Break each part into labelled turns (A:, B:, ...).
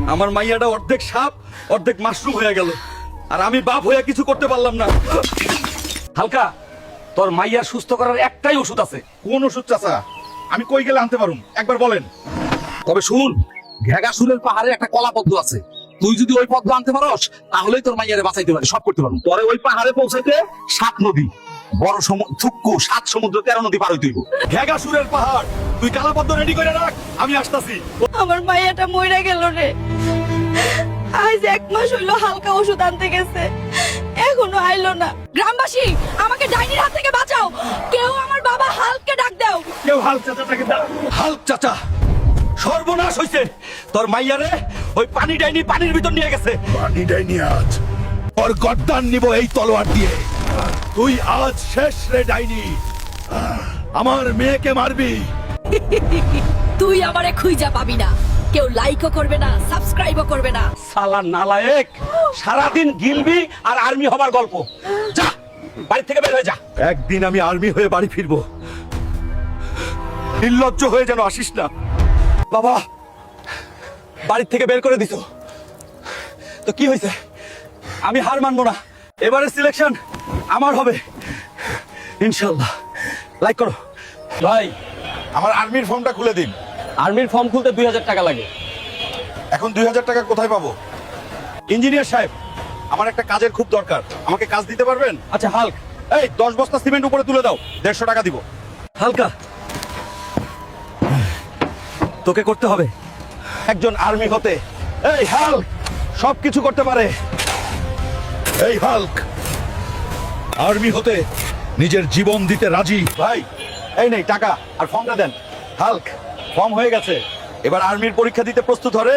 A: আমার মাইয়াটা অর্ধেক সাপ অর্ধেক মাশরুম হয়ে গেল, আর আমি বাপ হয়ে কিছু করতে পারলাম না।
B: হালকা, তোর মাইয়ার সুস্থ করার একটাই ওষুধ আছে।
A: কোন ওষুধ চাচা? আমি কই গেলে আনতে পারুম, একবার বলেন।
B: তবে শুন, ঘেগাসুরের পাহাড়ে একটা কলা পদ্ম আছে, তুই যদি ওই পদ্ম আনতে পারস তাহলেই তোর মাইয়ারে বাঁচাইতে পারি, সব করতে পারবো। তোরে ওই পাহাড়ে পৌঁছাইতে 7 নদী, বড় থুক্কু 7 সমুদ্র 13 নদী পার হইতে হইব।
A: ঘেগাসুরের পাহাড়, তুই কালাপদ্ম রেডি করে রাখ, আমি আসতাছি।
C: আমার মাইয়াটা মইরা গেল রে। আজ 1 মাস হইলো হালকা ওষুধ আনতে গেছে, এখনো আইলো না। গ্রামবাসী, আমাকে ডাইনির হাত থেকে বাঁচাও, কেউ আমার বাবা হালকে ডাক দাও।
A: কেউ হাল্ক চাচাটাকে দাও। হাল্ক চাচা, সর্বনাশ হইছে। তোর মাইয়ারে ওই পানি ডাইনি পানির ভিতর নিয়ে গেছে।
D: পানি ডাইনি আজ ওর গর্দান নিব এই তলোয়ার দিয়ে। তুই আজ শেষ রে ডাইনি, আমার মেয়েকে মারবি।
C: তুই আমারে খুঁজা পাবি না, কেউ লাইকও করবে না, সাবস্ক্রাইবও করবে না।
B: সালা নালায়েক, সারাদিন গিলবি আর আর্মি হবার গল্প। যা, বাড়ি থেকে বের হয়ে যা।
A: একদিন আমি আর্মি হয়ে বাড়ি ফিরবো, নির্লজ্জ হয়ে যেন আসিস না। বাবা, বাড়ি থেকে বের করে দিছো তো কি হয়েছে? আমি হার মানবো না, এবারে সিলেকশন আমার হবে ইনশাল্লাহ। লাইক করো
B: ভাই।
D: আমার আর্মির ফর্মটা খুলে দিন।
B: আর্মির ফর্ম খুলতে 2000 টাকা লাগে।
D: এখন 2000 টাকা কোথায় পাবো?
A: ইঞ্জিনিয়ার সাহেব, আমার একটা কাজের খুব দরকার, আমাকে কাজ দিতে পারবেন?
B: আচ্ছা হাল্ক,
A: এই 10 বস্তা সিমেন্ট উপরে তুলে দাও, 150 টাকা দিব। হালকা, তোকে করতে হবে একজন আর্মি হতে। এই হাল্ক সবকিছু করতে পারে।
D: এই হাল্ক আর্মি হতে নিজের জীবন দিতে রাজি।
A: ভাই, এই নেই টাকা আর ফর্মটা দেন। হাল্ক, ফর্ম হয়ে গেছে, এবার আর্মির পরীক্ষা দিতে প্রস্তুত হরে।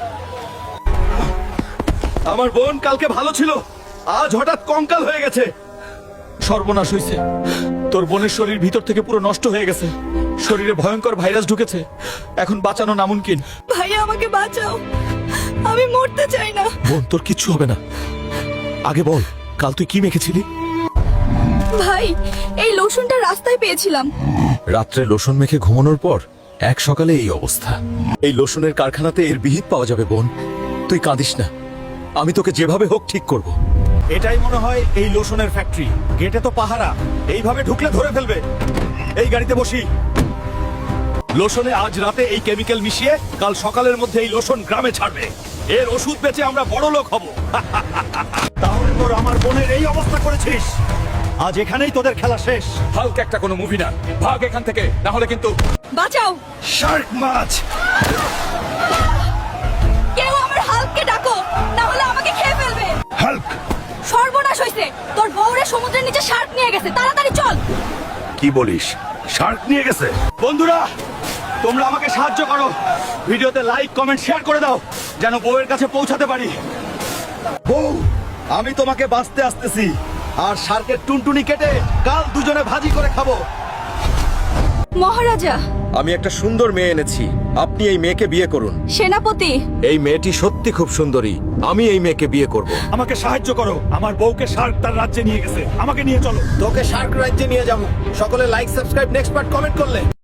A: আমার বোন কালকে ভালো ছিল, আজ হঠাৎ কঙ্কাল হয়ে গেছে। সর্বনাশ হয়েছে, তোর বোনের শরীর ভিতর থেকে পুরো নষ্ট হয়ে গেছে, শরীরে ভয়ঙ্কর ভাইরাস ঢুকেছে, এখন বাঁচানো নামুনকিন।
C: ভাইয়া আমাকে বাঁচাও, আমি মরতে চাই না।
A: বোন, তোর কিচ্ছু হবে না। আগে বল, কাল তুই কি মেখেছিলি?
C: ভাই, এই লোশনটা রাস্তায় পেয়েছিলাম।
A: রাত্রে লোশন মেখে ঘুমানোর পর এক সকালে এই অবস্থা। এই লোশনের কারখানাতে এর বিহিত পাওয়া যাবে বোন, তুই কাঁদিস না, আমি তোকে যেভাবে হোক ঠিক করব। এটাই মনে হয় এই লোশনের ফ্যাক্টরি। গেটে তো পাহারা, এইভাবে ঢুকলে ধরে ফেলবে। এই গাড়িতে বসি। লোশনে আজ রাতে এই কেমিক্যাল মিশিয়ে কাল সকালের মধ্যে এই লোশন গ্রামে ছাড়বে। এর ওষুধ বেচে আমরা বড় লোক হব। তাহলে তোর আমার বোনের এই অবস্থা করেছিস, আজ এখানেই তোদের খেলা শেষ।
B: হাল্ক একটা কোনো মুভি না, ভাগ এখান থেকে, না হলে কিন্তু।
C: বাঁচাও,
D: শার্ক মাছ।
C: কেউ আমার হালকে ডাকো, না হলে আমাকে খেয়ে ফেলবে।
D: হাল্ক,
C: সর্বনাশ হইছে, তোর বউরে সমুদ্রের নিচে শার্ক নিয়ে গেছে, তাড়াতাড়ি চল।
D: কি বলিস? শার্ক নিয়ে গেছে?
A: বন্ধুরা, তোমরা আমাকে সাহায্য করো, ভিডিওতে লাইক কমেন্ট শেয়ার করে দাও, যেন বউয়ের কাছে পৌঁছাতে পারি। বউ, আমি তোমাকে বাঁচতে আসতেছি, আর শার্কের টুনটুনি কেটে কাল দুজনে ভাজি করে খাবো।
C: মহারাজা,
A: আমি একটা সুন্দর মেয়ে এনেছি, আপনি এই মেয়েকে বিয়ে করুন।
C: সেনাপতি,
A: এই মেয়েটি সত্যি খুব সুন্দরী, আমি এই মেয়েকে বিয়ে করব।
D: আমাকে সাহায্য করো, আমার বউকে শার্ক তার রাজ্যে নিয়ে গেছে, আমাকে নিয়ে চলো।
A: তোকে শার্ক রাজ্যে নিয়ে যাবো। সকলে like subscribe next part comment করলে